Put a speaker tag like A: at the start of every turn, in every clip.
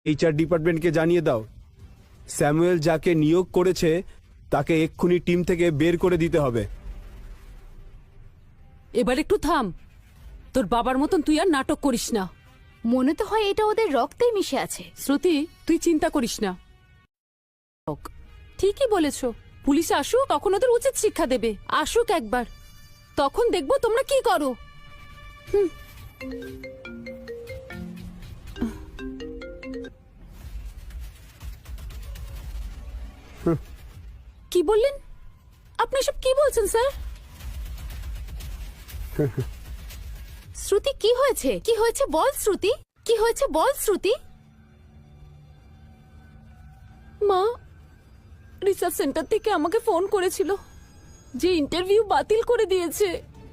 A: HR ডিপার্টমেন্টকে জানিয়ে দাও, স্যামুয়েল যাকে নিয়োগ করেছে তাকে এক্ষুনি টিম থেকে বের করে দিতে হবে।
B: এবার একটু থাম, তোর বাবার মতন তুই আর নাটক করিস না।
C: মনে তো হয় এটা ওদের রক্তেই মিশে আছে।
B: শ্রুতি, তুই চিন্তা করিস না। ঠিকই বলেছ, পুলিশ আসুক, তখন ওদের উচিত শিক্ষা দেবে। আসুক একবার, তখন দেখবো তোমরা কি করো। কি বললেন আপনি? সব কি বলছেন স্যার?
C: শ্রুতি, কি হয়েছে? কি হয়েছে বল শ্রুতি, কি হয়েছে বল শ্রুতি।
B: মা রিসার্চ সেন্টার থেকে আমাকে ফোন করেছিল যে ইন্টারভিউ বাতিল করে দিয়েছে।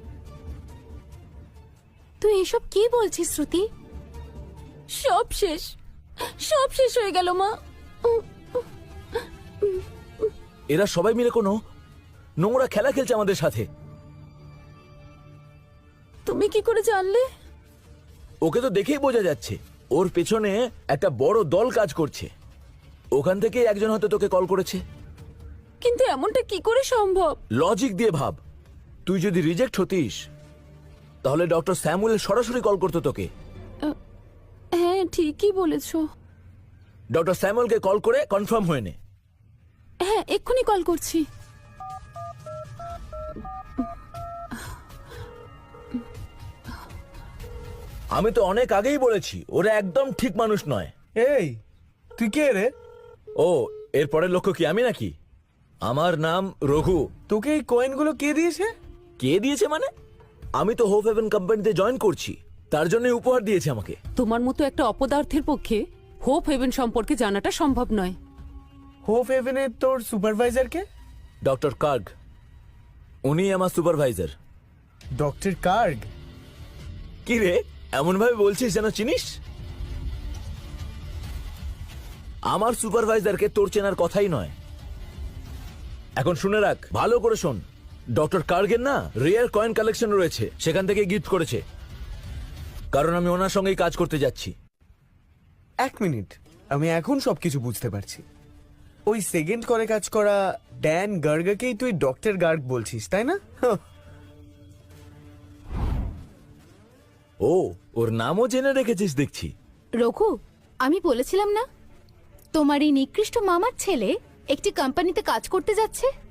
C: তুই এসব কি বলছিস শ্রুতি?
B: সব শেষ, সব শেষ হয়ে গেল মা।
D: এরা সবাই মিলে কোনো নোংরা খেলা খেলছে আমাদের সাথে।
B: তুমি কি করে জানলে?
D: ওকে তো দেখেই বোঝা যাচ্ছে, ওর পেছনে একটা বড় দল কাজ করছে। ওখান থেকে একজন হয়তো তোকে কল করেছে।
B: কিন্তু এমনটা কি করে সম্ভব?
D: লজিক দিয়ে ভাব, তুই যদি রিজেক্ট হতিস তাহলে ডক্টর স্যামুয়েল সরাসরি কল করতো তোকে।
B: হ্যাঁ ঠিকই বলেছো।
D: ডক্টর স্যামুয়েলকে কল করে কনফার্ম হয়ে নে।
B: হ্যাঁ এক্ষুনি কল করছি।
D: আমি তো অনেক আগেই বলেছি ওরা একদম ঠিক মানুষ নয়।
E: এই তুই কে রে?
D: ও, এর পরের লক্ষ্য কি আমি নাকি? আমার নাম রঘু।
E: তোকে এই কয়েনগুলো কে দিয়েছে?
D: কে দিয়েছে মানে? আমি তো হোপ হেভেন কোম্পানিতে জয়েন করছি, তার জন্য উপহার দিয়েছে আমাকে।
B: তোমার মতো একটা অপদার্থের পক্ষে হোপ হেভেন সম্পর্কে জানাটা সম্ভব নয়।
E: হোপ হেভেনের তোর সুপারভাইজার কে?
D: ডক্টর কার্গ, উনি আমার সুপারভাইজার।
E: Doctor cargo?
D: কি রে এমন ভাবে বলছিস যেন চিনিস? আমার সুপারভাইজারকে তোর চেনার কথাই নয়। এখন শুনে রাখ, ভালো করে শোন। ডক্টর কার্গের না রেয়ার কয়েন কালেকশন রয়েছে, সেখান থেকে গিফট করেছে, কারণ আমি ওনার সঙ্গেই কাজ করতে যাচ্ছি।
E: এক মিনিট, আমি এখন সবকিছু বুঝতে পারছি। ওই সেকেন্ড করে কাজ করা ড্যান গার্গকেই তুই ডক্টর গার্গ বলছিস, তাই না?
D: ও, ওর নামও জেনে রেখেছিস দেখছি।
C: রঘু, আমি বলেছিলাম না তোমার এই নিকৃষ্ট মামার ছেলে একটি কোম্পানিতে কাজ করতে যাচ্ছে।